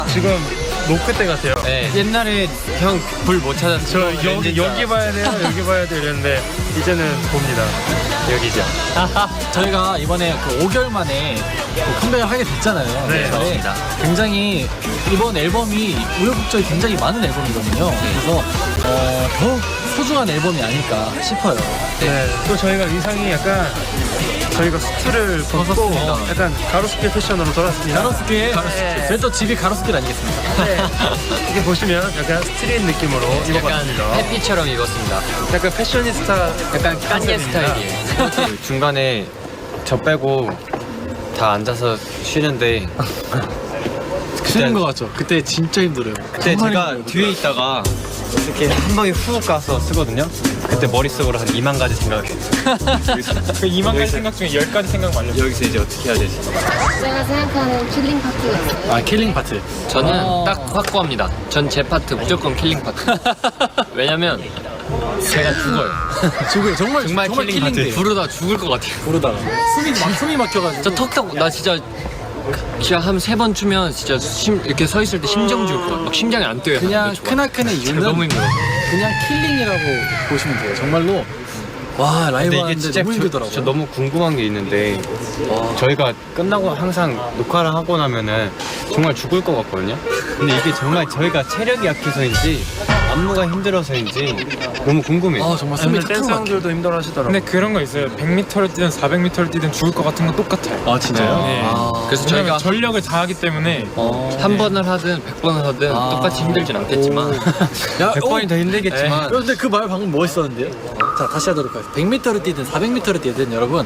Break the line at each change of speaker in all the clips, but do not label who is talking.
지금 노크 때 같아요.
네. 옛날에 형 불 못 찾았어.
저 여기 봐야 돼요, 여기 봐야 돼요 이랬는데 이제는 봅니다. 여기죠.
저희가 이번에 그 5개월 만에 컴백을 하게 됐잖아요.
네,
맞습니다.
굉장히 이번 앨범이 우여곡절이 굉장히 많은 앨범이거든요. 그래서 더욱 소중한 앨범이 아닐까 싶어요.
네. 또 저희가 의상이 약간 저희가 수트를 벗고
벗었습니다.
약간 가로수길 패션으로 돌았습니다.
가로수길,
네.
저희 또 집이 가로수길 아니겠습니까?
네. 이렇게 보시면 약간 스트릿 느낌으로
약간
입어봤습니다.
해피처럼 입었습니다.
약간 패셔니스타
약간 깐예 스타일이에요. 중간에 저 빼고 다 앉아서 쉬는데
쉬는 거 같죠? 그때 진짜 힘들어요.
그때
정말
제가
힘들어요.
뒤에 있다가 이렇게 한 방에 훅 가서 쓰거든요. 그때 머릿속으로 한 2만 가지 생각해요.
그 2만 가지 생각 중에 10가지 생각 말려.
여기서 이제 어떻게 해야 되지?
제가 생각하는 킬링 파트가 있어요.
아, 킬링 파트.
저는
아.
딱 확고합니다. 전 제 파트 무조건 킬링 파트. 왜냐면 제가 죽어요.
죽어요. 정말
킬링 파트.
킬링돼요.
부르다 죽을 것 같아요.
부르다가 숨이 막혀가지고.
저 턱턱 나 진짜 한 3번 추면 진짜 이렇게 서 있을 때 심정 죽을 것 같아. 막 심장이 안 뛰어요.
그냥
좋아.
크나큰의
진짜
이유는
너무 힘들어.
그냥 킬링이라고 보시면 돼요. 정말로 와 라이브 하는데 너무 힘들더라고요.
저 너무 궁금한 게 있는데 저희가 끝나고 항상 녹화를 하고 나면은 정말 죽을 것 같거든요. 근데 이게 정말 저희가 체력이 약해서인지 안무가 힘들어서인지 너무 궁금해요.
아 정말 숨이
오늘 댄스
탁탁 막혀.
형들도 힘들어 하시더라고요.
근데 그런 거 있어요. 100m를 뛰든 400m를 뛰든 죽을 것 같은 건 똑같아요.
아 진짜요?
네.
아,
그래서
왜냐면
저희가
전력을 다하기 때문에
한 번을 하든 100번을 하든
아.
똑같이 힘들진 않겠지만
야,
100번이 더 힘들겠지만
근데 그 말 방금 멋있었는데요? 자 다시 하도록 하겠습니다. 100m를 뛰든 400m를 뛰든 여러분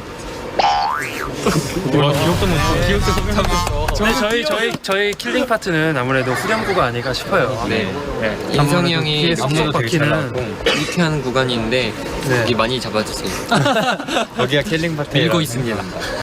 와, 기억도 못하고
근데 저희 킬링 파트는 아무래도 후렴구가 아닐까 싶어요.
네.
네.
인성이 형이
안무도 되게 잘 나오고.
이렇게 하는 구간이 있는데
네.
여기 많이 잡아주세요.
여기가 킬링 파트
밀고 있습니다.